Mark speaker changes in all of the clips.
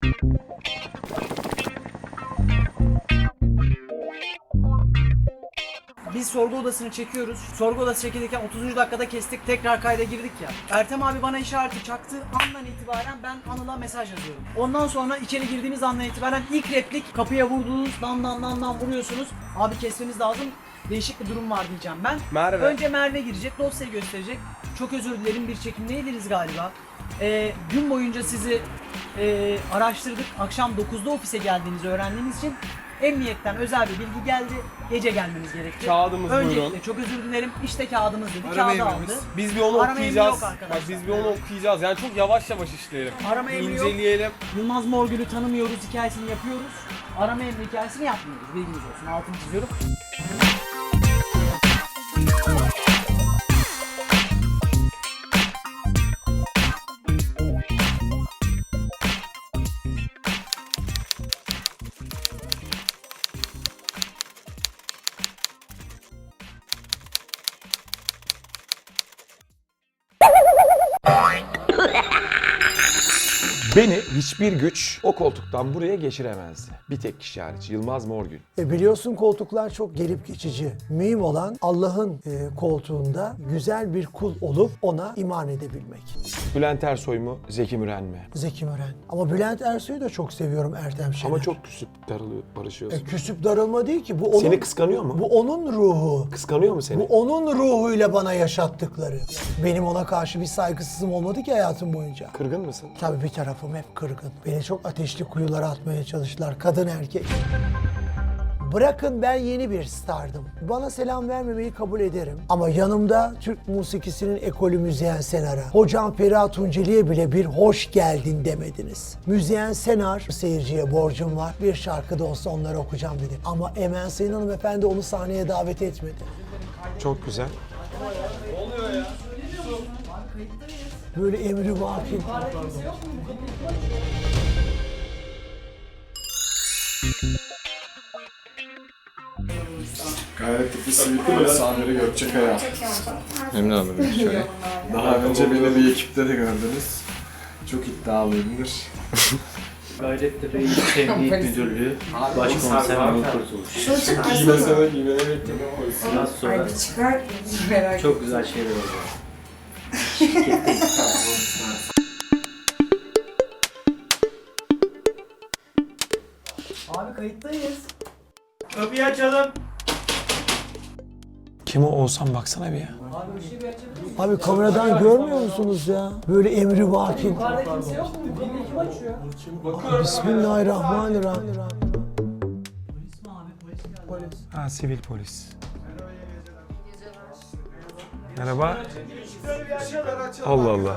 Speaker 1: Biz sorgu odasını çekiyoruz. Sorgu odası çekilirken 30. dakikada kestik. Tekrar kayda girdik ya. Ertem abi bana işareti çaktı. Andan itibaren ben Anıl'a mesaj yazıyorum. Ondan sonra içeri girdiğimiz andan itibaren ilk replik kapıya vurduğunuz dan vuruyorsunuz. Abi kesmemiz lazım. Değişik bir durum var diyeceğim ben.
Speaker 2: Merve.
Speaker 1: Önce Merve girecek, dosyayı gösterecek. Çok özür dilerim, bir çekimdeydiniz galiba. Gün boyunca sizi araştırdık. Akşam 9'da ofise geldiğinizi öğrendiğimiz için emniyetten özel bir bilgi geldi. Gece gelmeniz gerekti.
Speaker 2: Kağıdımız
Speaker 1: Öncelikle
Speaker 2: buyurun.
Speaker 1: çok özür dilerim. İşte kağıdımız dedi.
Speaker 2: Arama
Speaker 1: Kağıdı
Speaker 2: emrimiz.
Speaker 1: aldı.
Speaker 2: Biz bir onu
Speaker 1: Arama emri
Speaker 2: okuyacağız.
Speaker 1: yok arkadaşlar.
Speaker 2: Bak biz bir onu okuyacağız. Yani çok yavaş yavaş işleyelim.
Speaker 1: Arama emri yok.
Speaker 2: İnceleyelim.
Speaker 1: Yılmaz Morgül'ü tanımıyoruz hikayesini yapıyoruz. Arama emri hikayesini yapmıyoruz. Bilginiz olsun. Altını çiziyorum.
Speaker 3: Beni hiçbir güç o koltuktan buraya geçiremezdi. Bir tek kişi hariç, Yılmaz Morgül.
Speaker 4: Biliyorsun koltuklar çok gelip geçici. Mühim olan Allah'ın koltuğunda güzel bir kul olup ona iman edebilmek.
Speaker 3: Bülent Ersoy mu, Zeki Müren mi?
Speaker 4: Zeki Müren. Ama Bülent Ersoy'u da çok seviyorum, Ertem Şener.
Speaker 3: Ama çok küsüp darılıyor, barışıyorsun.
Speaker 4: Küsüp darılma değil ki. Bu onun,
Speaker 3: Seni kıskanıyor mu?
Speaker 4: Bu onun ruhu.
Speaker 3: Kıskanıyor mu seni?
Speaker 4: Bu onun ruhuyla bana yaşattıkları. Benim ona karşı bir saygısızlığım olmadı ki hayatım boyunca.
Speaker 3: Kırgın mısın?
Speaker 4: Tabii bir tarafım hep kırgın. Beni çok ateşli kuyulara atmaya çalıştılar. Kadın erkek. Bırakın ben yeni bir stardım. Bana selam vermemeyi kabul ederim. Ama yanımda Türk musikisinin ekolü Müzeyyen Senar'a, hocam Feriha Tunceli'ye bile bir hoş geldin demediniz. Müzeyyen Senar, seyirciye borcum var. Bir şarkı da olsa onları okuyacağım dedi. Ama Emel Sayın hanımefendi onu sahneye davet etmedi.
Speaker 3: Çok güzel.
Speaker 4: Böyle emri-vaki.
Speaker 5: Gayretli Sivitli ve Samiri Gökçekaya.
Speaker 3: Memnun oldum. Şöyle.
Speaker 5: Daha önce beni bir ekipte de gördünüz. Çok iddialıyımdır.
Speaker 6: Gayrettepe İl Emniyet Müdürlüğü Başkomiser Anıl Kurtuluş.
Speaker 5: Giymesene bekledim.
Speaker 6: Biraz sonra
Speaker 7: Ay bir çıkar merak
Speaker 6: çok güzel şeyler olacak.
Speaker 1: Abi kayıttayız.
Speaker 6: Kapıyı açalım.
Speaker 3: Kim o Oğuzhan, baksana bir ya.
Speaker 1: Abi ışığı bir açabilir misin?
Speaker 4: Abi kameradan görmüyor musunuz ya? Böyle emri-vaki.
Speaker 1: Yukarıda kimse yok mu? Bu kapıyı kim açıyor?
Speaker 4: Bismillahirrahmanirrahim.
Speaker 1: Polis mi abi? Polis geldi.
Speaker 3: Ha, sivil polis. Merhaba. Allah Allah.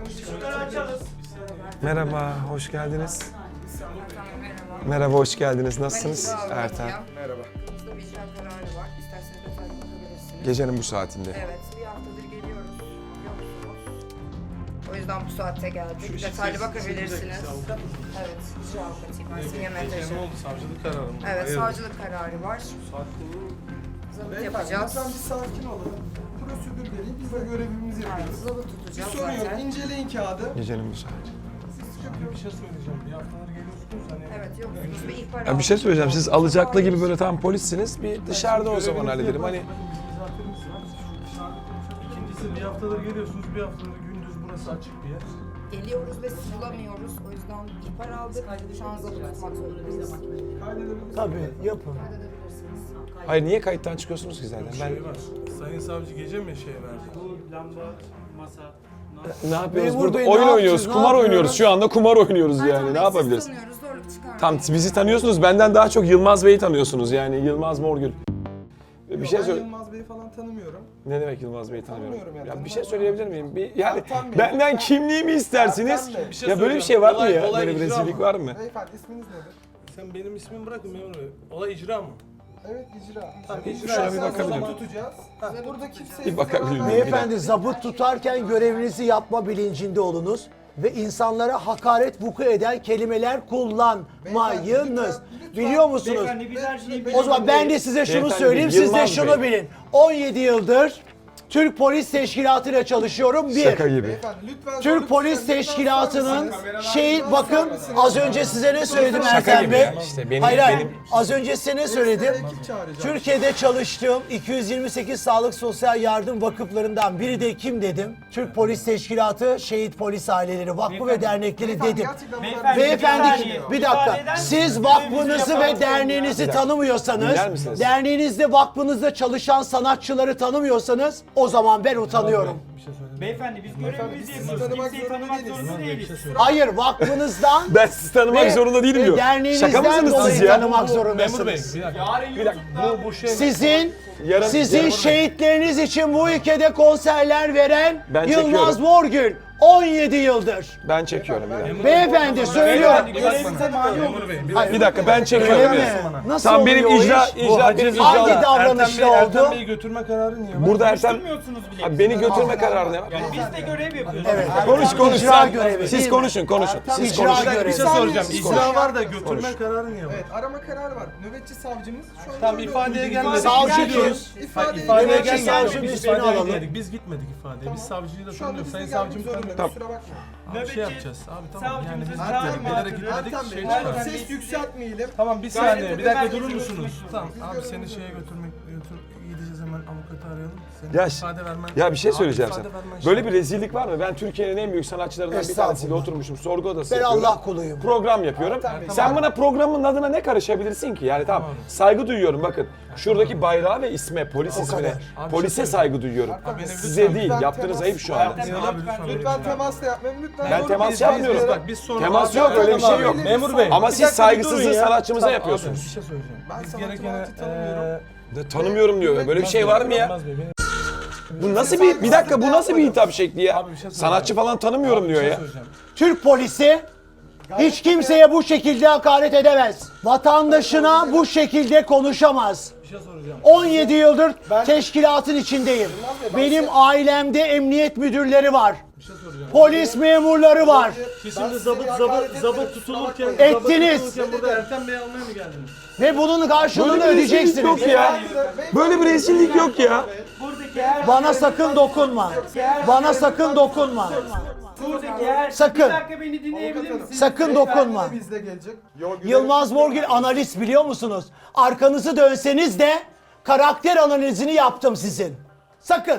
Speaker 3: Merhaba, hoş geldiniz. Merhaba, hoş geldiniz. Nasılsınız? Ertan.
Speaker 5: Merhaba.
Speaker 7: Burada bir icra kararı var. İsterseniz detaylı bakabilirsiniz.
Speaker 3: Gecenin bu saatinde.
Speaker 7: Evet, bir haftadır geliyoruz. Yoksunuz. O yüzden bu saatte geldik. Detaylı bakabilirsiniz. Evet, icra avukatıyım. Ben Simge Menteşe.
Speaker 5: Savcılık kararı mı?
Speaker 7: Evet, savcılık kararı var. Zabıt yapacağız.
Speaker 5: Lütfen bir sakin olalım. Prosedür gereği biz de görevimizi
Speaker 7: Evet,
Speaker 5: yapıyoruz.
Speaker 7: zabıt
Speaker 5: Bir
Speaker 7: tutacağız
Speaker 5: sorun yok.
Speaker 7: zaten.
Speaker 5: İnceleyin kağıdı.
Speaker 3: Gecenin bu saati.
Speaker 5: Bir şey söyleyeceğim. Bir haftalar geliyorsunuz hani.
Speaker 7: Evet, yoksunuz ve ihbar
Speaker 3: Ya bir şey
Speaker 7: aldık.
Speaker 3: söyleyeceğim. Siz alacaklı gibi böyle tam polissiniz. Bir dışarıda o zaman hallederim. Hani
Speaker 8: İkincisi bir haftadır geliyorsunuz, bir haftadır gündüz burası açık bir yer.
Speaker 7: Geliyoruz ve sizi bulamıyoruz. O yüzden ihbar aldık. Şu an zabıt tutmak zorundayız.
Speaker 4: Tabii yapın.
Speaker 7: Kaydedebilirsiniz.
Speaker 3: hayır, niye kayıttan çıkıyorsunuz ki zaten? Ben
Speaker 8: Şey var, Sayın Savcı gece mi şey verdi?
Speaker 6: Bu lamba, masa,
Speaker 3: ne yapıyoruz
Speaker 4: Memur
Speaker 3: burada?
Speaker 4: Bey, ne
Speaker 3: Oyun
Speaker 4: yapacağız,
Speaker 3: oynuyoruz,
Speaker 4: ne
Speaker 3: kumar
Speaker 4: yapıyoruz?
Speaker 3: oynuyoruz. Şu anda kumar oynuyoruz yani.
Speaker 7: Ertan
Speaker 3: Ne
Speaker 7: Bey,
Speaker 3: yapabiliriz?
Speaker 7: Sizi tanıyoruz, zorluk çıkarmayın.
Speaker 3: Tam bizi tanıyorsunuz. Benden daha çok Yılmaz Bey'i tanıyorsunuz yani. Yılmaz Morgül. Bir şey
Speaker 5: Ben
Speaker 3: söyle.
Speaker 5: Yılmaz Bey'i falan tanımıyorum.
Speaker 3: Ne demek Yılmaz Bey'i tanımıyorum?
Speaker 5: Tanımıyorum ya,
Speaker 3: Ya bir şey
Speaker 5: tanımam.
Speaker 3: söyleyebilir miyim? Yani
Speaker 5: Ertan Bey,
Speaker 3: benden
Speaker 5: lütfen.
Speaker 3: kimliğimi istersiniz.
Speaker 5: Ertan Bey, bir
Speaker 8: şey
Speaker 3: Ya böyle bir
Speaker 8: söyleyeceğim.
Speaker 3: şey var mı ya?
Speaker 8: Olay
Speaker 3: Böyle bir
Speaker 8: icra
Speaker 3: rezillik
Speaker 8: mı?
Speaker 3: var mı?
Speaker 5: Beyefendi isminiz nedir?
Speaker 8: Sen benim ismimi bırakın memur bey. Olay icra mı?
Speaker 5: Evet icra.
Speaker 8: Tamam,
Speaker 5: icra.
Speaker 3: şuna bir bakabilir miyim?
Speaker 5: tutacağız. Burada kimse
Speaker 3: Bir bakabilir miyim?
Speaker 4: Beyefendi zabıt tutarken görevinizi yapma bilincinde olunuz ve insanlara hakaret vuku eden kelimeler kullanmayınız. Biliyor musunuz?
Speaker 6: Beyefendi biz her şeyi
Speaker 4: O zaman ben de size şunu
Speaker 3: Beyefendi,
Speaker 4: söyleyeyim, siz de
Speaker 3: Yılmaz
Speaker 4: şunu
Speaker 3: Bey.
Speaker 4: bilin. 17 yıldır Türk Polis Teşkilatı ile çalışıyorum. Bir.
Speaker 3: Şaka gibi.
Speaker 4: Türk Polis Teşkilatı'nın bakın az önce size ne söyledim Ertem
Speaker 3: gibi
Speaker 4: Bey?
Speaker 3: ya. İşte
Speaker 4: Hayır. Az önce size ne söyledim? Türkiye'de çalıştığım 228 sağlık sosyal yardım vakıflarından biri de kim dedim? Türk Polis Teşkilatı, Şehit Polis Aileleri Vakfı ve Dernekleri dedim. Beyefendi bir dakika. Siz vakfınızı ve derneğinizi tanımıyorsanız,
Speaker 3: Dinler misiniz?
Speaker 4: derneğinizde vakfınızda çalışan sanatçıları tanımıyorsanız o zaman ben utanıyorum.
Speaker 6: Beyefendi biz görevimizi yapıyoruz. Kimseyi tanımak zorunda değiliz.
Speaker 4: Hayır, vakfınızdan
Speaker 3: Ben sizi tanımak
Speaker 4: ve
Speaker 3: zorunda değilim diyor. Şaka
Speaker 4: derneğinizden
Speaker 3: mısınız
Speaker 4: dolayı
Speaker 3: siz ya?
Speaker 4: tanımak zorundasınız.
Speaker 3: Bir dakika.
Speaker 8: Bu şey
Speaker 4: Sizin şehitleriniz için bu ülkede konserler veren
Speaker 3: Ben
Speaker 4: Yılmaz
Speaker 3: çekiyorum.
Speaker 4: Morgül 17 yıldır.
Speaker 3: Ben çekiyorum bir dakika.
Speaker 4: Beyefendi söylüyorum.
Speaker 3: Bir dakika ben
Speaker 4: Öyle
Speaker 3: çekiyorum.
Speaker 4: mi?
Speaker 3: ya.
Speaker 4: Nasıl
Speaker 3: Tamam
Speaker 4: oluyor
Speaker 3: benim
Speaker 4: o
Speaker 3: icra
Speaker 4: iş?
Speaker 3: benim
Speaker 4: Hangi
Speaker 3: icra.
Speaker 4: davranışla
Speaker 8: Ertem
Speaker 4: oldu?
Speaker 8: Bey'i götürme kararı niye var?
Speaker 3: Burada Ertem
Speaker 6: Bilmiyorsunuz bile.
Speaker 3: Abi beni götürme kararı ne var?
Speaker 6: Yani biz de görev yapıyoruz.
Speaker 4: Evet.
Speaker 3: Konuş
Speaker 4: İcra
Speaker 3: sen.
Speaker 4: görevi, değil
Speaker 3: Siz
Speaker 4: mi?
Speaker 3: konuşun. Siz
Speaker 4: İcra
Speaker 3: konuşun.
Speaker 4: görevi.
Speaker 8: Bir şey soracağım.
Speaker 5: Siz
Speaker 8: İcra var da götürme kararı niye var?
Speaker 5: Evet, arama kararı var. Nöbetçi savcımız şu an
Speaker 8: Tam ifadeye gelmedik.
Speaker 4: Savcı diyoruz.
Speaker 8: İfadeye
Speaker 4: Nöbetçi
Speaker 8: gelmedik.
Speaker 4: savcı
Speaker 8: Biz
Speaker 4: ismini
Speaker 8: ifadeye
Speaker 4: alalım.
Speaker 8: gitmedik. Biz gitmedik ifadeye. Biz savcıyı da
Speaker 5: şu anda
Speaker 8: tanıyoruz.
Speaker 5: bize
Speaker 8: Sayın
Speaker 5: gelmek
Speaker 8: savcım
Speaker 5: zorunda.
Speaker 8: tanıyor.
Speaker 5: Kusura bakma.
Speaker 8: Abi şey yapacağız. Abi tamam yani biz
Speaker 6: Savcımızın
Speaker 8: gitmedik.
Speaker 6: çağırma
Speaker 8: Bilerek
Speaker 6: hakkını-
Speaker 8: gitmedik. Şey
Speaker 6: Ertem
Speaker 8: çıkardık.
Speaker 5: Ses yükseltmeyelim.
Speaker 8: Tamam bir saniye. Bir dakika
Speaker 6: Gayret
Speaker 8: durur
Speaker 6: edin,
Speaker 8: musunuz?
Speaker 6: götürmek
Speaker 8: Tamam.
Speaker 6: zorunda.
Speaker 8: Abi seni şeye götürmek gideceğiz hemen avukatı arayalım. Senin
Speaker 3: Ya,
Speaker 8: ifade vermen.
Speaker 3: ya bir şey
Speaker 8: Abi
Speaker 3: söyleyeceğim
Speaker 8: ifade
Speaker 3: sana.
Speaker 8: vermen
Speaker 3: Böyle
Speaker 8: şey-
Speaker 3: bir rezillik var mı? Ben Türkiye'nin en büyük sanatçılarından bir tanesiyle
Speaker 4: Estağfurullah.
Speaker 3: oturmuşum. Sorgu odası
Speaker 4: Ben
Speaker 3: yapıyorum.
Speaker 4: Allah kuluyum.
Speaker 3: Program yapıyorum. Sen bana programın adına ne karışabilirsin ki? Yani tamam saygı duyuyorum bakın. Şuradaki bayrağı ve isme, polis ismine,
Speaker 8: Abi,
Speaker 3: polise
Speaker 8: şey
Speaker 3: saygı duyuyorum.
Speaker 8: benim
Speaker 3: Size
Speaker 8: lütfen-
Speaker 3: değil, yaptığınız ayıp şu anda.
Speaker 8: Abi lütfen.
Speaker 5: Lütfen temas da yapmayın. Lütfen.
Speaker 3: Ben
Speaker 5: doğru
Speaker 3: temas
Speaker 5: bilgi
Speaker 3: yapmıyorum.
Speaker 5: verin.
Speaker 8: Bak biz sonra...
Speaker 3: Temas
Speaker 8: Abi,
Speaker 3: yok, öyle bir şey
Speaker 8: abi,
Speaker 3: yok.
Speaker 8: Memur Bey.
Speaker 3: Ama
Speaker 8: bir
Speaker 3: siz
Speaker 8: dakika, bir
Speaker 3: saygısızlığı
Speaker 8: durun ya.
Speaker 3: sanatçımıza
Speaker 8: Tamam,
Speaker 3: yapıyorsunuz.
Speaker 8: Abi, bir şey söyleyeceğim.
Speaker 5: Ben
Speaker 8: Biz
Speaker 5: sanatçı
Speaker 8: gerekeni...
Speaker 5: Murat'ı tanımıyorum.
Speaker 3: Tanımıyorum diyor. Böyle bir şey var mı ya?
Speaker 8: Yılmaz Bey, beni-
Speaker 3: Bu nasıl bir dakika bu nasıl bir hitap şekli ya?
Speaker 8: Abi bir şey söyleyeceğim.
Speaker 3: Sanatçı falan tanımıyorum
Speaker 8: Bir
Speaker 3: diyor
Speaker 8: şey
Speaker 3: ya.
Speaker 8: söyleyeceğim.
Speaker 4: Türk polisi hiç kimseye bu şekilde hakaret edemez. Vatandaşına bu şekilde konuşamaz.
Speaker 8: Bir şey soracağım.
Speaker 4: 17 yıldır teşkilatın içindeyim. Benim ailemde emniyet müdürleri var.
Speaker 8: Bir şey soracağım.
Speaker 4: Polis memurları var.
Speaker 8: Siz şimdi zabıt tutulurken...
Speaker 4: Ettiniz.
Speaker 8: zabıt tutulurken burada Ertem Bey'i almaya mı geldiniz?
Speaker 4: Ve bunun karşılığını
Speaker 3: Böyle bir rezillik
Speaker 4: ödeyeceksiniz.
Speaker 3: yok ya. Böyle bir rezillik yok ya.
Speaker 6: Buradaki her
Speaker 4: Bana sakın dokunma. Bana sakın dokunma.
Speaker 6: buradaki her
Speaker 4: Sakın.
Speaker 6: Bir dakika beni dinleyebilir misiniz?
Speaker 4: Sakın dokunma.
Speaker 5: Bizde gelecek.
Speaker 4: Yılmaz Morgül analist biliyor musunuz? Arkanızı dönseniz de karakter analizini yaptım sizin. Sakın.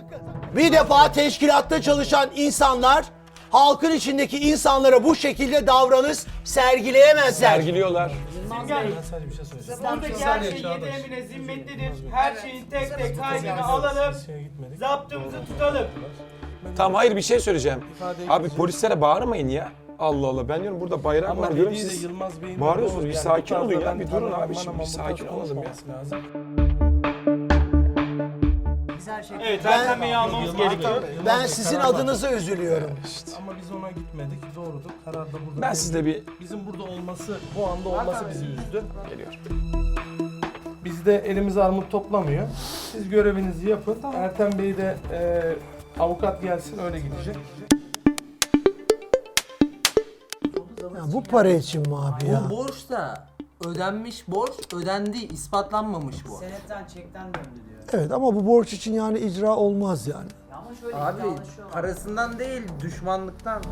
Speaker 4: Bir defa teşkilatta çalışan insanlar halkın içindeki insanlara bu şekilde davranış sergileyemezler.
Speaker 3: Sergiliyorlar.
Speaker 8: Ben sadece bir şey söyleyeceğim.
Speaker 6: Buradaki her şey yedi emine zimmetlidir. Her şeyin tek tek kaydını alalım.
Speaker 8: Şeye gitmedik.
Speaker 6: Zaptımızı tutalım.
Speaker 3: Tamam hayır bir şey söyleyeceğim. Abi polislere bağırmayın ya. Allah Allah ben diyorum burada bayrak
Speaker 8: Ama
Speaker 3: var diyorum
Speaker 8: hediye de
Speaker 3: siz.
Speaker 8: Yılmaz Bey'in...
Speaker 3: bağırıyorsunuz, bir sakin
Speaker 8: bu
Speaker 3: olun ya,
Speaker 8: tarzda
Speaker 3: bir
Speaker 8: ben
Speaker 3: durun
Speaker 8: tanımam,
Speaker 3: abi, şimdi
Speaker 8: bana
Speaker 3: bir sakin
Speaker 8: burada
Speaker 3: olalım ya.
Speaker 8: konuşmaması lazım.
Speaker 1: Biz her şeyi
Speaker 6: Evet Ertem Bey'i almamız gerekiyor.
Speaker 4: Ben sizin adınıza üzülüyorum.
Speaker 8: Ama biz ona gitmedik. Doğrudur. Karar da burada.
Speaker 3: Ben sizde bir
Speaker 8: Bizim burada olması, bu anda olması bizi üzdü.
Speaker 3: geliyor.
Speaker 8: Bizde elimiz armut toplamıyor. Siz görevinizi yapın. Ertem Bey de avukat gelsin öyle gidecek.
Speaker 4: Ya bu para için mi abi ya?
Speaker 9: Bu borç da ödenmiş borç, ödendi, ispatlanmamış bu.
Speaker 1: Senetten çekten döndü diyor.
Speaker 4: Evet ama bu borç için yani icra olmaz yani.
Speaker 1: Ama şöyle
Speaker 9: Abi
Speaker 1: yanlışıyor.
Speaker 9: parasından değil, düşmanlıktan.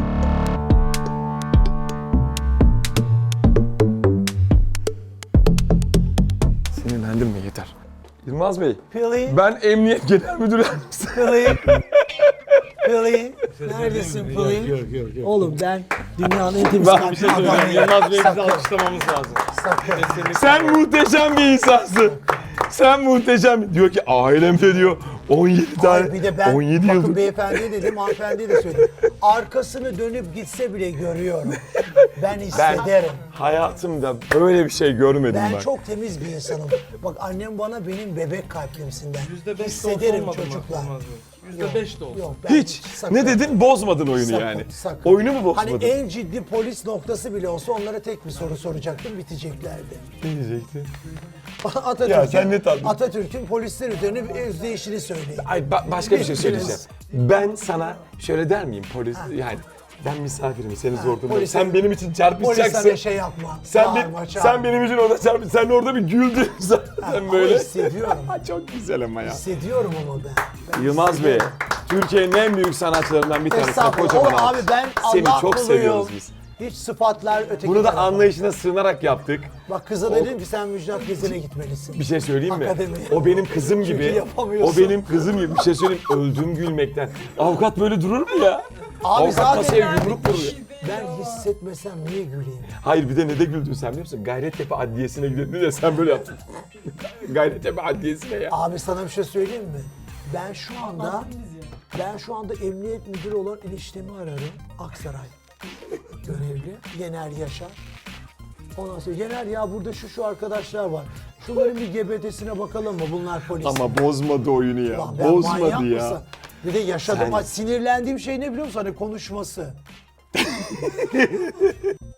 Speaker 3: Sinirlendim mi yeter. Yılmaz Bey
Speaker 4: Pili,
Speaker 3: ben Emniyet Genel Müdürü Yardımcısı.
Speaker 4: Pili. Pili. Neredesin Pili? Oğlum ben dünyanın en temiz kalpli adamıyım.
Speaker 2: Yılmaz Bey'i bize alkışlamamız lazım.
Speaker 3: Sen muhteşem bir insansın. Sen muhteşem. Diyor ki ailemde diyor 17 tane,
Speaker 4: Hayır, bir de ben
Speaker 3: 17
Speaker 4: bakın
Speaker 3: yıldır.
Speaker 4: beyefendiye dedim, hanımefendiye de söyledim. Arkasını dönüp gitse bile görüyorum. Ben hissederim.
Speaker 3: Hayatımda böyle bir şey görmedim
Speaker 4: Ben
Speaker 3: ben.
Speaker 4: çok temiz bir insanım. Bak annem bana benim bebek kalplimsinden.
Speaker 8: %5 de
Speaker 4: Hissederim
Speaker 8: olsa olmadı mı?
Speaker 4: çocuklar.
Speaker 8: Olmaz mı? %5 de olsa.
Speaker 4: Yok, ben
Speaker 3: Hiç.
Speaker 4: sakın.
Speaker 3: Ne dedin? Bozmadın oyunu
Speaker 4: Sakın,
Speaker 3: yani.
Speaker 4: sakın.
Speaker 3: Oyunu mu bozmadın?
Speaker 4: Hani en ciddi polis noktası bile olsa onlara tek bir soru soracaktım, biteceklerdi.
Speaker 3: Ne diyecektin?
Speaker 4: Atatürk'ün,
Speaker 3: Ya sen ne tatlısın.
Speaker 4: Atatürk'ün polisler üzerine bir özdeyişini söyleyin.
Speaker 3: Ay başka bir şey söyleyeceğim. Ben sana şöyle der miyim polis yani Ben misafirim, seni zor durumda.
Speaker 4: polise-
Speaker 3: Sen benim için
Speaker 4: Polise
Speaker 3: çarpışacaksın.
Speaker 4: de şey yapma.
Speaker 3: Sen,
Speaker 4: Bağırma,
Speaker 3: sen
Speaker 4: çağırma.
Speaker 3: benim için orada çarpış. Sen orada bir güldün zaten
Speaker 4: Ama
Speaker 3: böyle.
Speaker 4: hissediyorum.
Speaker 3: Çok güzel ama ya.
Speaker 4: Hissediyorum ama ben.
Speaker 3: Yılmaz Bey, Türkiye'nin en büyük sanatçılarından bir tanesi.
Speaker 4: Estağfurullah.
Speaker 3: Kocaman
Speaker 4: O abi ben
Speaker 3: Seni
Speaker 4: Allah
Speaker 3: çok
Speaker 4: kuluyum.
Speaker 3: seviyoruz biz.
Speaker 4: Hiç sıfatlar öteki
Speaker 3: Bunu da
Speaker 4: tarafa.
Speaker 3: anlayışına sığınarak yaptık.
Speaker 4: Bak kıza dedim ki sen Müjdat Gezen'e gitmelisin.
Speaker 3: Bir şey söyleyeyim mi?
Speaker 4: Akademiye.
Speaker 3: O benim kızım
Speaker 4: Çünkü
Speaker 3: gibi.
Speaker 4: yapamıyorsun.
Speaker 3: O benim kızım gibi. Bir şey söyleyeyim. Öldüm gülmekten. Avukat böyle durur mu ya?
Speaker 4: Abi
Speaker 3: Avukat
Speaker 4: zaten
Speaker 3: masaya yumruk vuruyor.
Speaker 4: ben hissetmesem niye güleyim?
Speaker 3: Hayır bir de ne de güldün sen biliyor musun? Gayrettepe Adliyesi'ne gidelim ya sen böyle yaptın. Gayrettepe Adliyesi'ne ya.
Speaker 4: Abi sana bir şey söyleyeyim mi? Ben şu anda emniyet müdürü olan eniştemi ararım. Aksaray. Görevli. Yener Yaşar. Ondan sonra Yener ya burada şu arkadaşlar var. Şunların bir GBT'sine bakalım mı? Bunlar polis.
Speaker 3: Ama bozmadı oyunu ya.
Speaker 4: Lan ben manyak
Speaker 3: Bozmadı ya.
Speaker 4: mısın? Bir de yaşadım.
Speaker 3: Sen-
Speaker 4: Sinirlendiğim şey ne biliyor musun? Hani konuşması.